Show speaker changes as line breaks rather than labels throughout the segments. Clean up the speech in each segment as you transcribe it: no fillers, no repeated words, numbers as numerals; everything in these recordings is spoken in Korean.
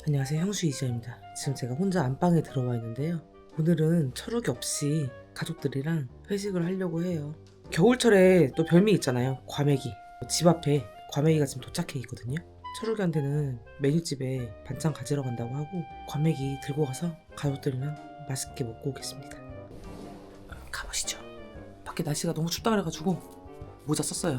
안녕하세요, 형수 이지아입니다. 지금 제가 혼자 안방에 들어와 있는데요. 오늘은 철욱이 없이 가족들이랑 회식을 하려고 해요. 겨울철에 또 별미 있잖아요. 과메기. 집 앞에 과메기가 지금 도착해 있거든요. 철욱이한테는 메뉴집에 반찬 가지러 간다고 하고 과메기 들고 가서 가족들이랑 맛있게 먹고 오겠습니다. 가보시죠. 밖에 날씨가 너무 춥다 그래가지고 모자 썼어요.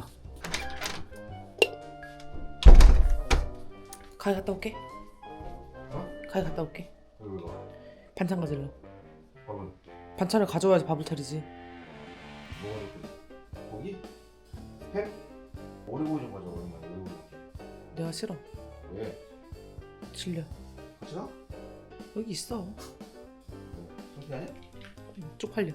가게 갔다 올게. 가게 갔다 올게.
왜 가?
반찬 가지러.
밥은?
반찬을 가져와야지 밥을 차리지.
뭐가 이렇게? 고기? 햄? 오리고기 좀 가져와. 오랜만에 오리고기.
내가 싫어.
왜?
질려.
같이 가?
여기 있어.
창피하냐?
쪽팔려.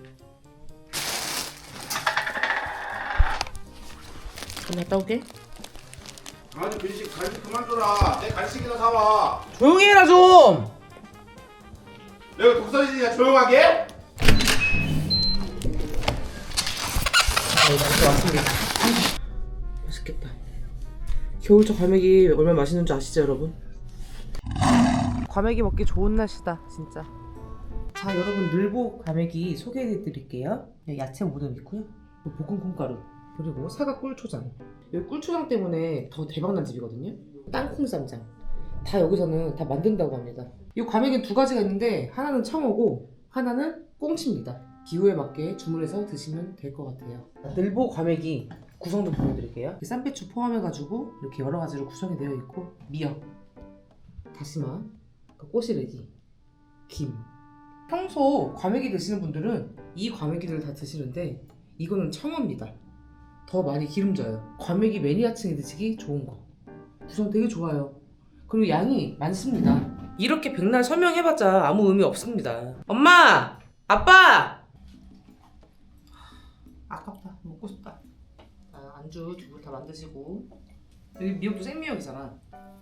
그럼 갔다 올게.
아니 간식 그만 줘라. 내 간식이나 사와.
조용히 해라 좀.
내가 독서리지냐 조용하게?
이렇게 왔습니다. 맛있겠다. 겨울철 과메기 얼마나 맛있는 줄 아시죠, 여러분? 과메기 먹기 좋은 날씨다, 진짜. 자, 여러분 늘보 과메기 소개해드릴게요. 야채 모듬 있고요, 볶은 콩가루, 그리고 사과 꿀초장. 여기 꿀초장 때문에 더 대박난 집이거든요. 땅콩 쌈장. 다 여기서는 다 만든다고 합니다. 이 과메기는 두 가지가 있는데 하나는 청어고 하나는 꽁치입니다. 기호에 맞게 주문해서 드시면 될 것 같아요. 늘보 과메기 구성 좀 보여드릴게요. 쌈배추 포함해가지고 이렇게 여러 가지로 구성이 되어 있고, 미역, 다시마, 꼬시래기, 김. 평소 과메기 드시는 분들은 이 과메기를 다 드시는데 이거는 청어입니다. 더 많이 기름져요. 과메기 매니아층이 드시기 좋은 거. 구성 되게 좋아요. 그리고 양이 많습니다. 이렇게 백날 설명해봤자 아무 의미 없습니다. 엄마! 아빠! 아깝다. 먹고 싶다. 안주 두 분 다 만드시고. 여기 미역도 생미역이잖아.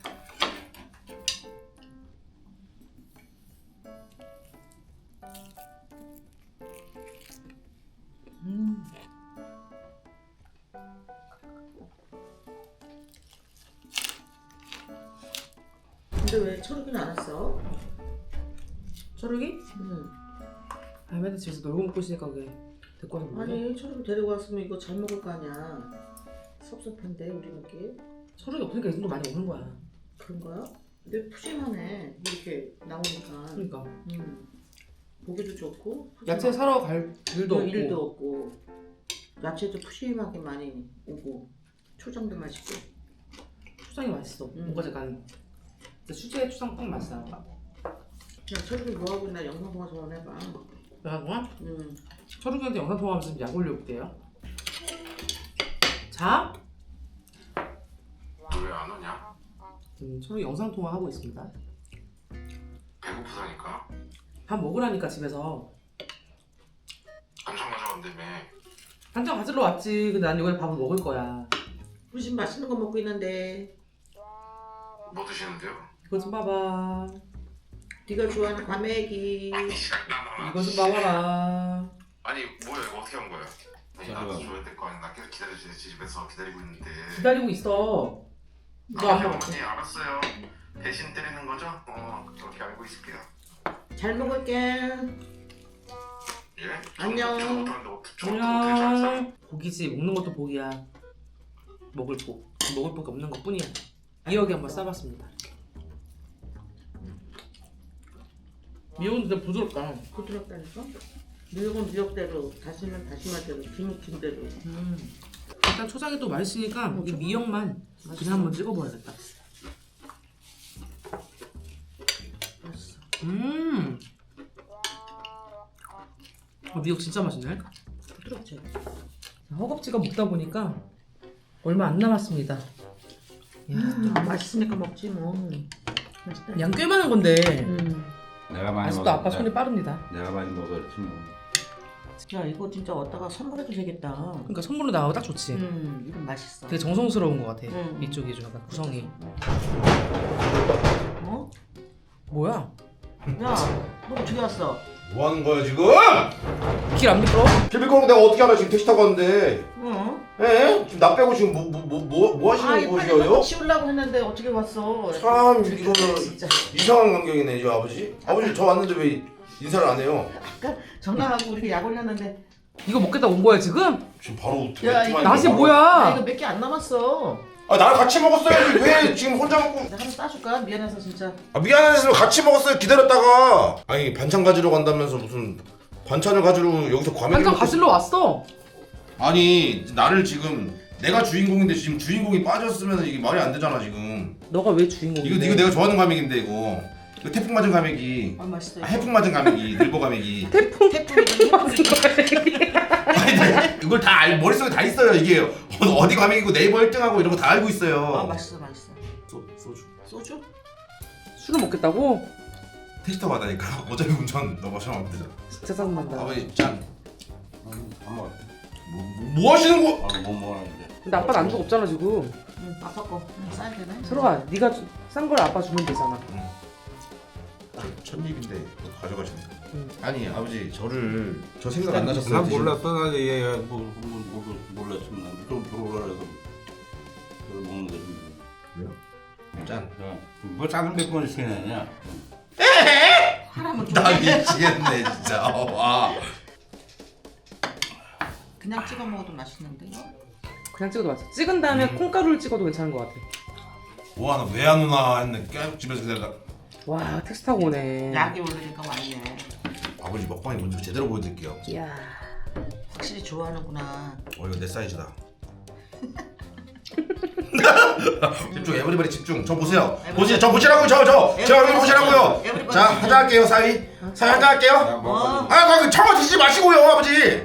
근데 왜 철욱이는 안 왔어?
철욱이?
응.
맨날 집에서 놀고 먹고 있으니까 그게 데리고 와서 먹네.
아니 철욱이 데리고 왔으면 이거 잘 먹을 거 아니야. 섭섭한데 우리 먹기.
철욱이 없으니까 이 정도 많이 오는 거야.
그런 거야? 근데 푸짐하네 이렇게 나오니까.
그러니까
보기도 좋고.
야채 사러 갈 일도 없고.
일도 없고. 야채도 푸짐하게 많이 오고. 초장도 맛있고.
초장이 맛있어. 뭔가 약간 수제 초장 딱 맛있어.
야 철욱이 뭐하고 있나 영상 통화 전화해봐.
내가 동안
응.
철욱이한테 영상 통화하면서 약 올려볼게요. 자,
너 왜 안 오냐?
철욱이 영상 통화하고 있습니다.
배고프다니까.
밥 먹으라니까 집에서.
반찬 가져간다며.
반찬 가지러 왔지. 근데 난 여기 밥을 먹을 거야.
우리 집 맛있는 거 먹고 있는데.
뭐 드시는데요?
이거 좀 봐봐.
네가 좋아하는 과메기.
이거 좀 봐봐라.
아니 뭐야 이거 어떻게 한 거야? 아니 나도 줘야 될 거 아니야. 나 계속 기다려주지 집에서 기다리고 있는데.
기다리고 있어. 너 안 먹었지?
어머니 알았어요. 대신 때리는 거죠? 그렇게 알고 있을게요.
잘 먹을게.
예?
안녕.
안녕. 복이지. 먹는 것도 복이야. 먹을 복. 먹을 복이 없는 것 뿐이야. 미역에 한번 싸봤습니다. 미역은 진짜 부드럽다.
부드럽다니까? 미역은 미역대로, 다시는 다시마대로, 김은 김대로.
일단 초장이 또 맛있으니까 이 미역만
맛있어.
그냥 한번 찍어봐야겠다.
맛있어.
미역 진짜 맛있네.
부드럽지?
허겁지겁 먹다 보니까 얼마 안 남았습니다.
맛있으니까 먹지 뭐. 맛있다.
양 꽤 많은 건데
내가 많이
아직도
먹었
아빠 손이 빠릅니다.
내가 많이 먹었지 뭐.
야 이거 진짜 얻다가 선물해도 되겠다.
그러니까 선물로 나오고 딱 좋지.
이건 맛있어.
되게 정성스러운 것 같아.
음.
이쪽이 좀 약간 구성이.
어?
뭐야?
야, 너 어떻게 왔어?
뭐 하는 거야 지금?
길 안 미끄러?
비밀 거는 내가 어떻게 알아? 지금 택시 타고 왔는데.
어?
예? 지금 나 빼고 지금 뭐 하시는
이거
거예요?
치우려고 했는데 어떻게 왔어?
참 이거는
진짜.
이상한 관계이네 이 아버지. 아버지 저 왔는데 왜 인사를 안 해요?
아까 전화하고 우리 약 올렸는데
이거 먹겠다 온 거야 지금?
지금 바로
야, 이거
낫이
야,
뭐야?
이거 몇 개 안 남았어.
아 나랑 같이 먹었어야지 왜 지금 혼자 먹고?
내가 하나 따줄까? 미안해서 진짜.
아 미안해서 같이 먹었어요 기다렸다가. 아니 반찬 가지러 간다면서 무슨 반찬을 가지러 여기서 과메기
반찬
먹고
가지러 왔어.
아니 나를 지금 내가 주인공인데 지금 주인공이 빠졌으면 이게 말이 안 되잖아 지금.
너가 왜 주인공인데?
이거 내가 좋아하는 과메기인데 이거 태풍 맞은 과메기.
맛있어요.
해풍 맞은 과메기 늘보 과메기.
태풍
태풍이
아니 이걸 다 머릿속에 다 있어요 이게 어디 과메기고 네이버 1등하고 이런 거 다 알고 있어요.
맛있어.
소주.
소주?
술을 먹겠다고?
테스터 받으니까 어차피 운전 너 마시면 되잖아.
진짜 짜증난다.
아버지 짠.
안 먹어.
뭐 하시는 거?
못 먹었는데.
근데 아빠는 안주가 없잖아 지금.
응, 아빠 거. 싸야 되나?
서로가 네가 싼 걸 아빠 주면 되잖아.
첫 입인데 너 가져가시네.
응.
아니 아버지 저를 저 생각 안 나셨어요?
난 몰랐어. 나 얘가 몰랐으면 좀 들어오라서 그걸 먹는 거지.
왜요? 짠.
뭐 작은 몇 번을 시키느냐?
하나만 줘.
나 미치겠네 진짜. 와.
그냥 찍어 먹어도 맛있는데 이거?
그냥 찍어도 맛있어. 찍은 다음에 콩가루를 찍어도 괜찮은 것 같아.
와 나 왜 안 오나 했네. 계속 집에서 기다리다.
와 택시 타고 오네.
약이 오르니까 왔네.
아버지 먹방이 먼저 제대로 보여드릴게요.
이야.
확실히 좋아하는구나.
이거 내 사이즈다. 집중 에브리바디 집중. 저 보세요. 저 보시라고요. 저 여기 보시라고요.
에브리바디
자
집중.
하자 할게요 사위. 사위 하자 할게요.
야, 먹어.
아 청어 드시지 마시고요 아버지.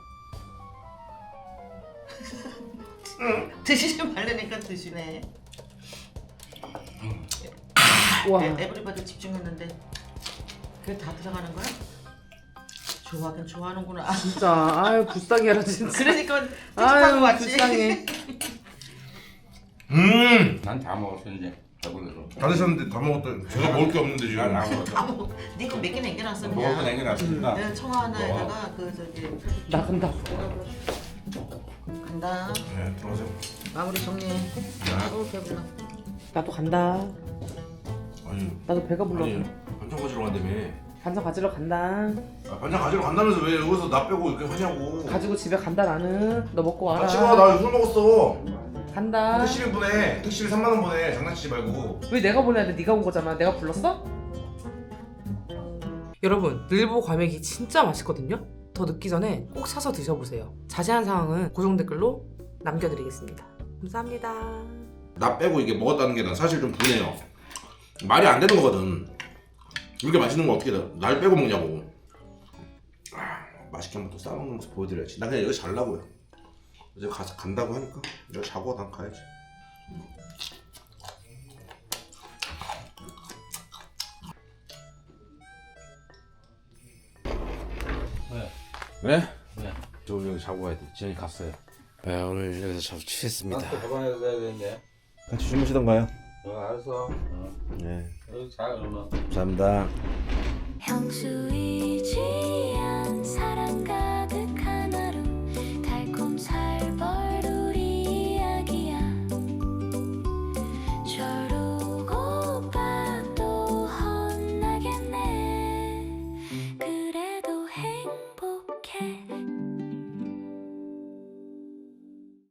드시지 말라니까 드시네.
와.
에브리바디 집중했는데 그게 다 들어가는 거야? 좋아하긴 좋아하는구나.
진짜 아유 불쌍해 라 진짜.
그러니까 택시타고
아유
왔지.
불쌍해.
난 다 먹었어 이제. 배불러서.
다 드셨는데 다 먹었더니 제가 먹을 게 없는데 지금.
난안 먹었어.
다 먹어. 네가 몇 개 남겨놨어
먹을 거
그냥.
남겨놨으니까.
내가 청아 하나에다가 그 저기
나 간다.
간다.
네 들어가세요.
마무리 정리해. 아우 배불러.
나도 간다.
아니
나도 배가 불러.
아니 반찬 가지러 간다며.
반찬 가지러 간다.
반찬 가지러 간다면서 왜 여기서 나 빼고 이렇게 하냐고.
가지고 집에 간다 나는. 너 먹고 와라.
같이 가. 나 술 먹었어.
간다.
택시비 보내. 택시비 3만 원 보내. 장난치지 말고.
왜 내가 보내야 돼? 네가 온 거잖아. 내가 불렀어? 여러분 늘보 과메기 진짜 맛있거든요. 더 늦기 전에 꼭 사서 드셔보세요. 자세한 사항은 고정 댓글로 남겨드리겠습니다. 감사합니다.
나 빼고 이게 먹었다는 게 난 사실 좀 분해요. 말이 안 되는 거거든. 이렇게 맛있는 거 어떻게 날 빼고 먹냐고. 맛있게 한번 또 싸먹는 모습 보여드려야지. 나 그냥 여기 잘라고요. 이제 가서 간다고 하니까 여기 자고 난 가야지.
왜?
왜?
왜?
저 여기 자고 가야 돼. 지현이 갔어요. 네, 오늘 여기서 자주 취했습니다.
나또 가방에서 자야 되는데.
같이 주무시던가요?
알았어.
네,
여기 자 그러면.
감사합니다.
향수이지 않은 사랑과